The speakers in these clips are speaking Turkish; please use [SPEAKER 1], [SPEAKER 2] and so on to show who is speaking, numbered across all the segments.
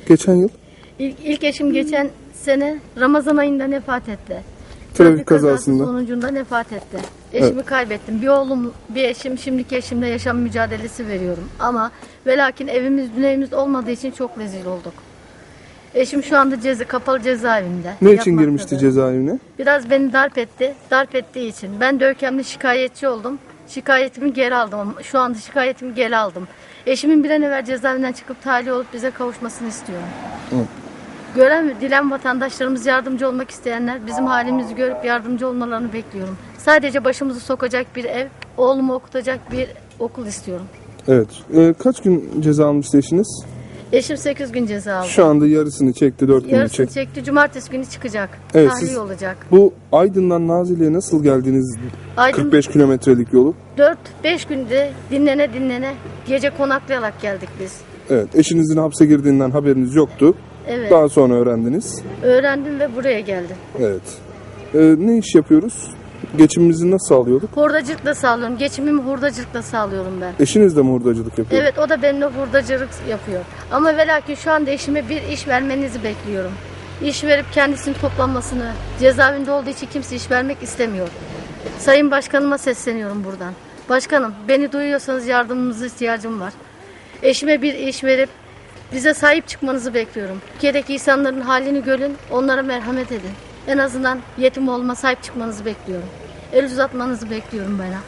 [SPEAKER 1] geçen yıl?
[SPEAKER 2] İlk eşim geçen sene Ramazan ayında vefat etti.
[SPEAKER 1] Trafik kazasında.
[SPEAKER 2] Sonucunda vefat etti. Eşimi kaybettim. Bir oğlum, bir eşim, şimdiki eşimle yaşam mücadelesi veriyorum. Ama ve lakin evimiz, dünyamız olmadığı için çok rezil olduk. Eşim şu anda kapalı cezaevinde.
[SPEAKER 1] Ne için girmişti cezaevine?
[SPEAKER 2] Biraz beni darp etti. Darp ettiği için. Ben de Görkem'le şikayetçi oldum. Şikayetimi geri aldım. Şu anda şikayetimi geri aldım. Eşimin bir an evvel cezaevinden çıkıp tahliye olup bize kavuşmasını istiyorum.
[SPEAKER 1] Hı.
[SPEAKER 2] Gören ve dilen vatandaşlarımız, yardımcı olmak isteyenler bizim halimizi görüp yardımcı olmalarını bekliyorum. Sadece başımızı sokacak bir ev, oğlumu okutacak bir okul istiyorum.
[SPEAKER 1] Evet. Kaç gün ceza almıştı eşiniz?
[SPEAKER 2] Eşim 8 gün ceza aldı.
[SPEAKER 1] Şu anda yarısını çekti, 4 günü
[SPEAKER 2] Yarısını
[SPEAKER 1] çekti.
[SPEAKER 2] çekti. Cumartesi günü çıkacak.
[SPEAKER 1] Evet,
[SPEAKER 2] Tahliye olacak.
[SPEAKER 1] Bu Aydın'dan Nazilli'ye nasıl geldiniz?
[SPEAKER 2] Aydın
[SPEAKER 1] 45 kilometrelik yolu.
[SPEAKER 2] 4-5 günde dinlene gece konaklayarak geldik biz.
[SPEAKER 1] Evet. Eşinizin hapse girdiğinden haberiniz yoktu.
[SPEAKER 2] Evet.
[SPEAKER 1] Daha sonra öğrendiniz.
[SPEAKER 2] Öğrendim ve buraya geldim.
[SPEAKER 1] Evet. Ne iş yapıyoruz? Geçimimizi nasıl sağlıyorduk?
[SPEAKER 2] Hurdacılıkla sağlıyorum. Geçimimi hurdacılıkla sağlıyorum ben.
[SPEAKER 1] Eşiniz de mi hurdacılık yapıyor?
[SPEAKER 2] Evet, o da benimle hurdacılık yapıyor. Ama ve lakin şu anda eşime bir iş vermenizi bekliyorum. İş verip kendisinin toplanmasını, cezaevinde olduğu için kimse iş vermek istemiyor. Sayın Başkanıma sesleniyorum buradan. Başkanım, beni duyuyorsanız yardımınıza ihtiyacım var. Eşime bir iş verip bize sahip çıkmanızı bekliyorum. Türkiye'deki insanların halini görün, onlara merhamet edin. En azından yetim olma, sahip çıkmanızı bekliyorum. El uzatmanızı bekliyorum bana.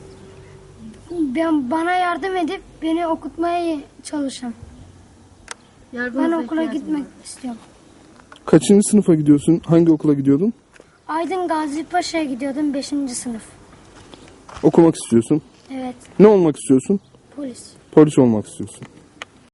[SPEAKER 3] Bana yardım edip beni okutmaya çalışın. Ben okula gitmek istiyorum.
[SPEAKER 1] Kaçıncı sınıfa gidiyorsun? Hangi okula gidiyordun?
[SPEAKER 3] Aydın Gazi Paşa'ya gidiyordum 5. sınıf.
[SPEAKER 1] Okumak istiyorsun.
[SPEAKER 3] Evet,
[SPEAKER 1] Ne olmak istiyorsun?
[SPEAKER 3] polis.
[SPEAKER 1] Polis olmak istiyorsun.